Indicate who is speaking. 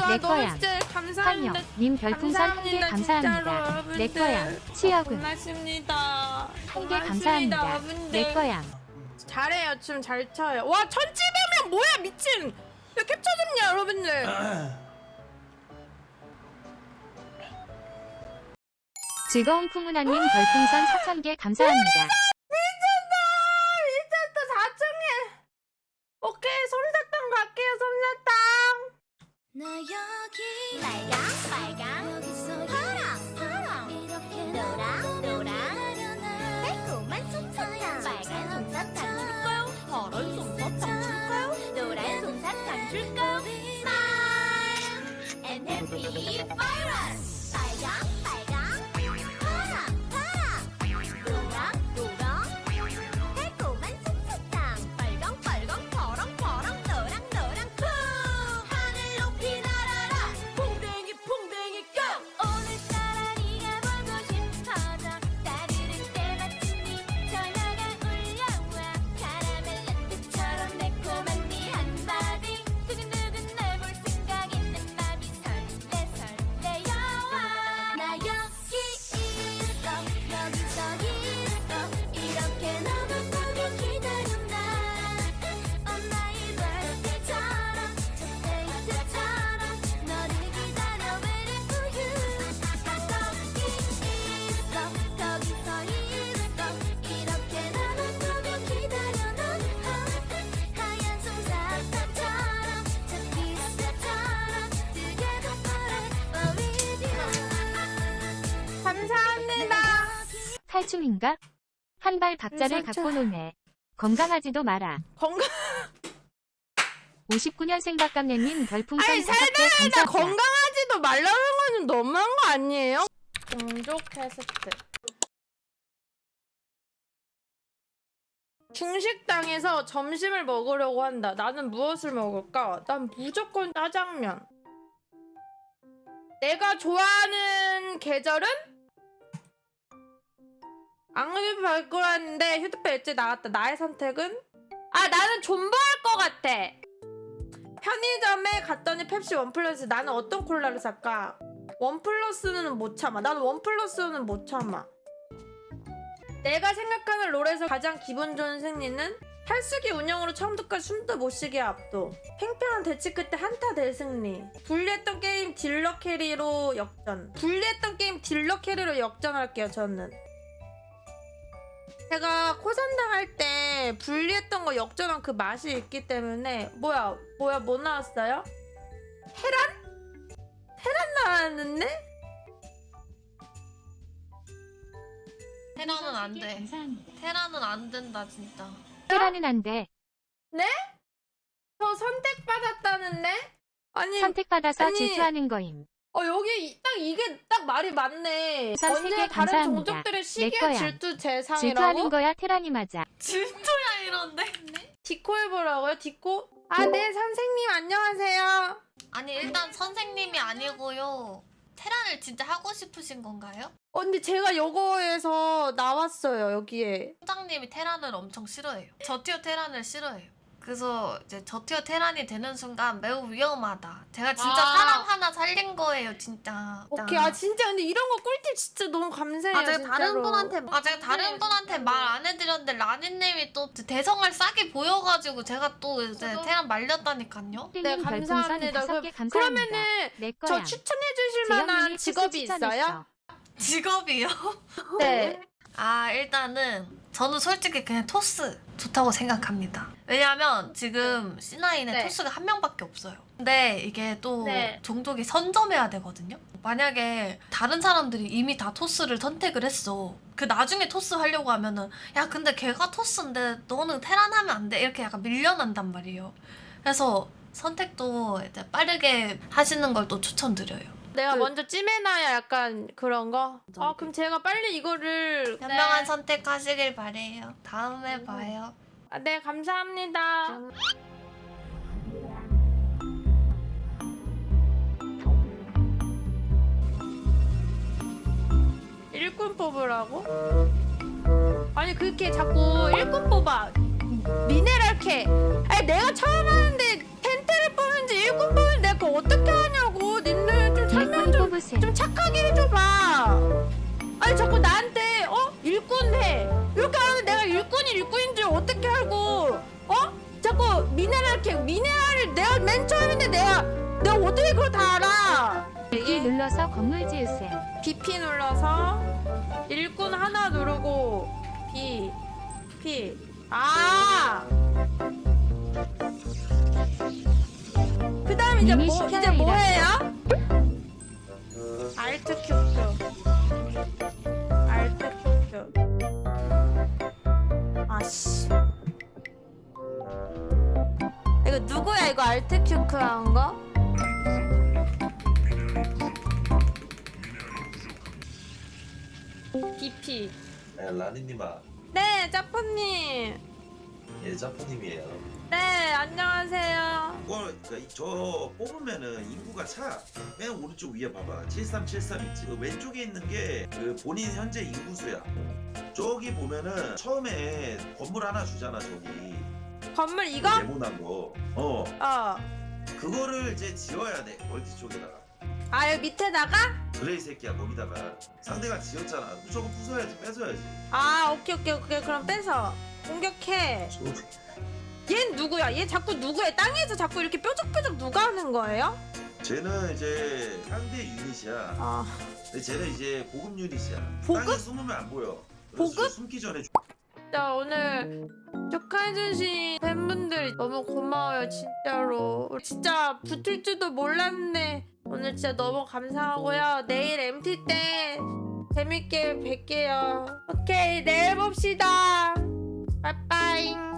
Speaker 1: 내
Speaker 2: 너무
Speaker 1: 거야.
Speaker 2: 진짜 감사합니다.
Speaker 1: 황영 님 별풍선 1개 감사합니다. 내 거야. 치여군
Speaker 2: 고맙습니다.
Speaker 1: 1개 감사합니다. 내 거야.
Speaker 2: 잘해요. 춤 잘 춰요. 와 1700명 뭐야 미친. 야 캡처 좀요 여러분들.
Speaker 1: 즐거운 푸문아님 별풍선 4000개 감사합니다.
Speaker 2: 미쳤다 4층에. 오케이 솜사탕 갈게요 솜사탕.
Speaker 3: 나 여기 빨강 빨강 여기서 파랑 파랑 이렇게 노랑 노랑 달콤한 솜사탕 빨간 솜사탕 줄까요? 파란 솜사탕 줄까요? 노란 솜사탕 줄까요? Smile and happy virus 빨강 빨강 파랑 파랑 노랑 노랑 달콤한 솜사탕 빨강 빨강 파랑 파랑 노랑 노랑 쿵 하늘 높이 날아라 풍뎅이 풍뎅이 고 오늘따라 네가 보고 싶어져 따르를 때 마침 네 전화가 울려와 카라멜 라떼처럼 매콤한 네 한마디 두근두근 날 볼 생각 있는 맘이 설레 설레여와 나 여기 있어 여기서 있어 이렇게 너만 보고 기다렸나 On my birthday처럼 첫 데이트처럼 너를 기다려 waiting for you 거기 있어 거기서 있어 이렇게 나만 보고 기다려 넌 하얀 솜사탕처럼 첫 키스처럼 Together forever with you
Speaker 2: 감사합니다.
Speaker 1: 탈춤인가? 한 발 박자를
Speaker 2: 그렇죠.
Speaker 1: 갖고 노네. 건강하지도 마라.
Speaker 2: 건강.
Speaker 1: 59년생 박감래님 별풍선
Speaker 2: 아니
Speaker 1: 5개
Speaker 2: 살다
Speaker 1: 감사합니다.
Speaker 2: 건강하지도 말라는 거는 너무한 거 아니에요? 공족 테스트. 중식당에서 점심을 먹으려고 한다. 나는 무엇을 먹을까? 난 무조건 짜장면. 내가 좋아하는 계절은? 앙리비 발굴하는데 휴대폰 일찍 나갔다. 나의 선택은? 아 나는 존버할 것 같아. 편의점에 갔더니 펩시 원 플러스. 나는 어떤 콜라를 살까? 원 플러스는 못 참아. 나는 원 플러스는 못 참아. 내가 생각하는 롤에서 가장 기분 좋은 승리는 탈수기 운영으로 처음부터까지 숨도 못 쉬게 압도. 팽팽한 대치 끝에 한타 대승리. 불리했던 게임 딜러 캐리로 역전. 불리했던 게임 딜러 캐리로 역전할게요 저는. 제가 코산당 할 때 분리했던 거 역전한 그 맛이 있기 때문에. 뭐야 뭐 나왔어요? 테란 나왔는데?
Speaker 4: 테라는 안 돼.
Speaker 1: 감사합니다.
Speaker 4: 테라는 안 된다 진짜.
Speaker 1: 테라는 안 돼.
Speaker 2: 저 선택받았다는데? 아니
Speaker 1: 선택받아서
Speaker 2: 아니.
Speaker 1: 질투하는 거임.
Speaker 2: 여기 딱 이게 딱 말이 맞네.
Speaker 1: 우선
Speaker 2: 언제
Speaker 1: 3개
Speaker 2: 다른
Speaker 1: 감사합니다.
Speaker 2: 종족들의
Speaker 1: 내
Speaker 2: 시기와
Speaker 1: 거야.
Speaker 2: 질투
Speaker 1: 질투하는
Speaker 2: 대상이라고?
Speaker 1: 거야 테란이 맞아.
Speaker 4: 진짜야 이런데?
Speaker 2: 디코 해보라고요? 디코? 네 선생님 안녕하세요.
Speaker 4: 아니 일단 선생님이 아니고요. 테란을 진짜 하고 싶으신 건가요?
Speaker 2: 근데 제가 요거에서 나왔어요 여기에.
Speaker 4: 팀장님이 테란을 엄청 싫어해요. 저티어 테란을 싫어해요. 그래서 이제 저티어 테란이 되는 순간 매우 위험하다. 제가 진짜 사람 하나 살린 거예요 진짜.
Speaker 2: 오케이. 진짜 근데 이런 거 꿀팁 진짜 너무 감사해요.
Speaker 4: 제가
Speaker 2: 진짜로.
Speaker 4: 제가 다른 분한테 말 안 해드렸는데 라니님이 또 대성을 싸게 보여가지고 제가 또 이제 테란 말렸다니까요.
Speaker 2: 네,
Speaker 1: 님
Speaker 2: 감사합니다.
Speaker 1: 별풍선 5개 감사합니다.
Speaker 2: 그러면은
Speaker 1: 내
Speaker 2: 저
Speaker 1: 거야.
Speaker 2: 추천해 주실
Speaker 1: 재영님이
Speaker 2: 만한
Speaker 1: 특수
Speaker 2: 직업이
Speaker 1: 추천했어.
Speaker 2: 있어요?
Speaker 4: 직업이요?
Speaker 2: 네.
Speaker 4: 일단은 저는 솔직히 그냥 토스 좋다고 생각합니다. 왜냐면 지금 C9에
Speaker 2: 네.
Speaker 4: 토스가 한 명밖에 없어요. 근데 이게 또
Speaker 2: 네.
Speaker 4: 종족이 선점해야 되거든요. 만약에 다른 사람들이 이미 다 토스를 선택을 했어. 그 나중에 토스 하려고 하면은 야 근데 걔가 토스인데 너는 테란 하면 안 돼. 이렇게 약간 밀려난단 말이에요. 그래서 선택도 이제 빠르게 하시는 걸 또 추천드려요.
Speaker 2: 내가 먼저 찜해놔야 약간 그런 거? 그럼 제가 빨리 이거를
Speaker 4: 현명한 선택하시길 바래요. 다음에 봐요.
Speaker 2: 네 감사합니다. 일꾼 뽑으라고? 아니 그렇게 자꾸 일꾼 뽑아. 미네랄 캐. 아니 내가 처음 하는데 텐트를 뽑는지 일꾼 뽑는지 내가 그거 어떻게 하냐고.
Speaker 1: 지우셈.
Speaker 2: 좀 착하게 해줘봐. 아니 자꾸 나한테 일꾼 해 이렇게 하면 내가 일꾼인 줄 어떻게 알고 자꾸 미네랄을 내가 맨 처음인데 내가 어떻게 그걸 다 알아.
Speaker 1: BP 눌러서 건물 지우셈.
Speaker 2: BP 눌러서 일꾼 하나 누르고 B 그 다음 이제
Speaker 1: 미니
Speaker 2: 뭐
Speaker 1: 시켜라
Speaker 2: 해요? 알트 큐큐 아씨 이거 누구야 이거 알트 큐큐 한 거? BP
Speaker 5: 라니님아,
Speaker 2: 네 짜포님
Speaker 5: 예, 자포님이에요.
Speaker 2: 네 안녕하세요.
Speaker 5: 저 뽑으면은 인구가 차. 맨 오른쪽 위에 봐봐. 7373 있지. 그 왼쪽에 있는 게 그 본인 현재 인구수야. 저기 보면은 처음에 건물 하나 주잖아, 저기.
Speaker 2: 건물 이거?
Speaker 5: 네모난 거. 그거를 이제 지어야 돼. 멀티 쪽에다가.
Speaker 2: 아 여기 밑에다가?
Speaker 5: 그래 이 새끼야 거기다가 상대가 지었잖아. 저거 부숴야지, 뺏어야지.
Speaker 2: 아 오케이 그럼 뺏어 공격해. 얜 누구야? 얘 자꾸 누구야? 땅에서 자꾸 이렇게 뾰족뾰족 누가 하는 거예요?
Speaker 5: 쟤는 이제 상대 유닛이야. 근데 쟤는 이제 보급 유닛이야.
Speaker 2: 보급?
Speaker 5: 땅에 숨으면 안 보여. 그래서
Speaker 2: 보급?
Speaker 5: 숨기 전에
Speaker 2: 진짜 오늘 축하해주신 팬분들 너무 고마워요 진짜로. 진짜 붙을 줄도 몰랐네. 오늘 진짜 너무 감사하고요. 내일 MT 때 재밌게 뵐게요. 오케이 내일 봅시다. 빠빠잉.